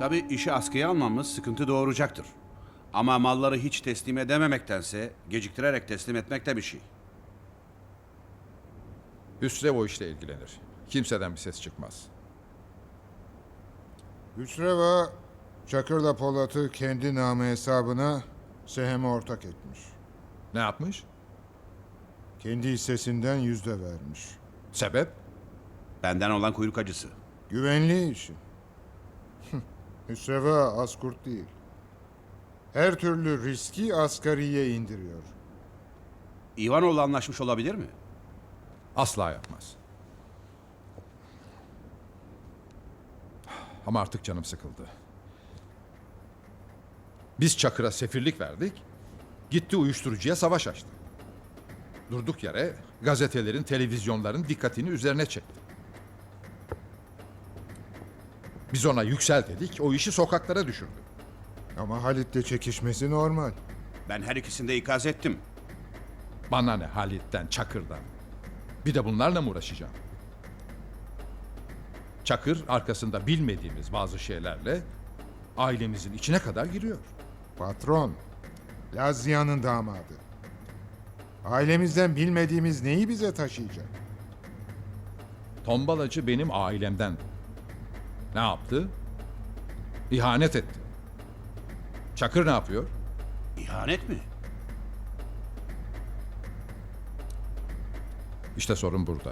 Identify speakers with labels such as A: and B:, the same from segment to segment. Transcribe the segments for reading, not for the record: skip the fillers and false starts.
A: Tabii işi askıya almamız sıkıntı doğuracaktır. Ama malları hiç teslim edememektense geciktirerek teslim etmek de bir şey.
B: Hüsrev o işle ilgilenir. Kimseden bir ses çıkmaz.
C: Hüsreva, Çakır'la Polat'ı kendi namı hesabına Sehem'e ortak etmiş.
B: Ne yapmış?
C: Kendi hissesinden %1 vermiş.
B: Sebep?
A: Benden olan kuyruk acısı.
C: Güvenliği için. Hüsreva az kurt değil. Her türlü riski asgariye indiriyor.
A: İvanoğlu anlaşmış olabilir mi?
B: Asla yapmaz. Ama artık canım sıkıldı. Biz Çakır'a sefirlik verdik. Gitti uyuşturucuya savaş açtı. Durduk yere gazetelerin, televizyonların dikkatini üzerine çekti. Biz ona yüksel dedik, o işi sokaklara düşürdü.
C: Ama Halit'le çekişmesi normal.
A: Ben her ikisini de ikaz ettim.
B: Bana ne Halit'ten, Çakır'dan. Bir de bunlarla mı uğraşacağım? Çakır arkasında bilmediğimiz bazı şeylerle ailemizin içine kadar giriyor.
C: Patron, Lazia'nın damadı. Ailemizden bilmediğimiz neyi bize taşıyacak?
B: Tombalacı benim ailemden. Ne yaptı? İhanet etti. Çakır ne yapıyor?
A: İhanet mi?
B: İşte sorun burada.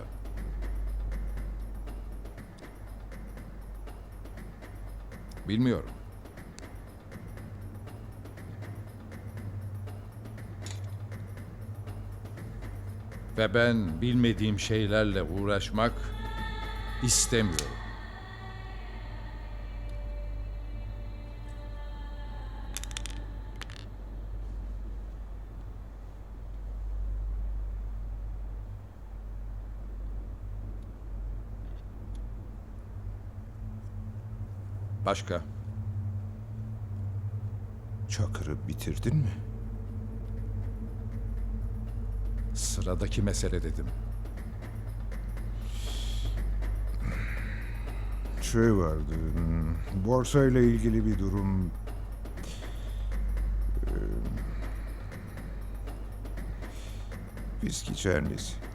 B: Bilmiyorum. Ve ben bilmediğim şeylerle uğraşmak istemiyorum. Başka?
C: Çakır'ı bitirdin mi?
B: Sıradaki mesele dedim.
C: Şey vardı, borsa ile ilgili bir durum. Viski çernesi.